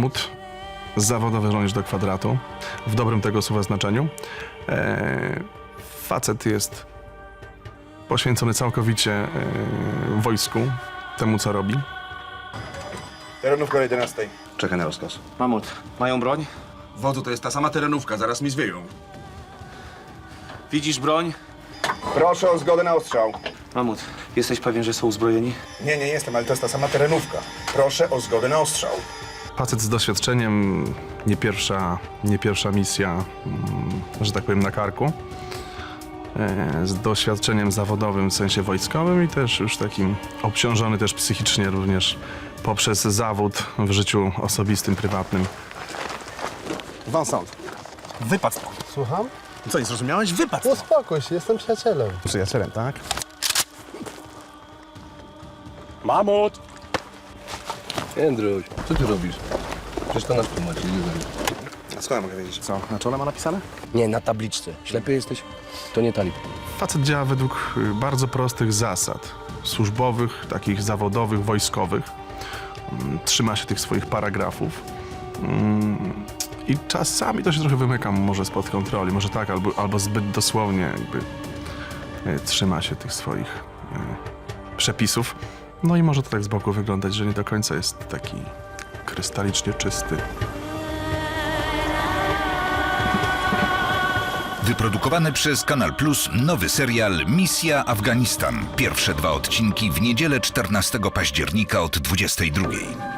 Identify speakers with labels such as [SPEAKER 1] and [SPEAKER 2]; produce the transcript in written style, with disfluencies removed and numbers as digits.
[SPEAKER 1] Mamut, zawodowy żołnierz do kwadratu, w dobrym tego słowa znaczeniu. Facet jest poświęcony całkowicie wojsku, temu co robi.
[SPEAKER 2] Terenówka o 11.
[SPEAKER 3] Czekaj na rozkaz.
[SPEAKER 4] Mamut, mają broń?
[SPEAKER 3] Wodzu, to jest ta sama terenówka, zaraz mi zwieją.
[SPEAKER 4] Widzisz broń?
[SPEAKER 2] Proszę o zgodę na ostrzał.
[SPEAKER 4] Mamut, jesteś pewien, że są uzbrojeni?
[SPEAKER 2] Nie jestem, ale to jest ta sama terenówka. Proszę o zgodę na ostrzał.
[SPEAKER 1] Facet z doświadczeniem, nie pierwsza misja, że tak powiem, na karku. Z doświadczeniem zawodowym w sensie wojskowym i też już takim obciążony też psychicznie również poprzez zawód w życiu osobistym, prywatnym.
[SPEAKER 3] Vincent, wypad stąd.
[SPEAKER 5] Słucham?
[SPEAKER 3] Co, nie zrozumiałeś? Wypad stąd.
[SPEAKER 5] Uspokój się, jestem przyjacielem.
[SPEAKER 3] Przyjacielem, tak?
[SPEAKER 6] Mamut!
[SPEAKER 7] Jędruś, co ty robisz? Przecież to nasz tłumaczy, nie wiem.
[SPEAKER 3] A skąd ja mogę wiedzieć? Co, na czole ma napisane?
[SPEAKER 7] Nie, na tabliczce. Ślepy jesteś? To nie talib.
[SPEAKER 1] Facet działa według bardzo prostych zasad służbowych, takich zawodowych, wojskowych. Trzyma się tych swoich paragrafów. I czasami to się trochę wymyka może spod kontroli, może tak, albo zbyt dosłownie jakby trzyma się tych swoich przepisów. No i może to tak z boku wyglądać, że nie do końca jest taki krystalicznie czysty.
[SPEAKER 8] Wyprodukowany przez Kanal Plus nowy serial Misja Afganistan. Pierwsze 2 odcinki w niedzielę 14 października od 22:00.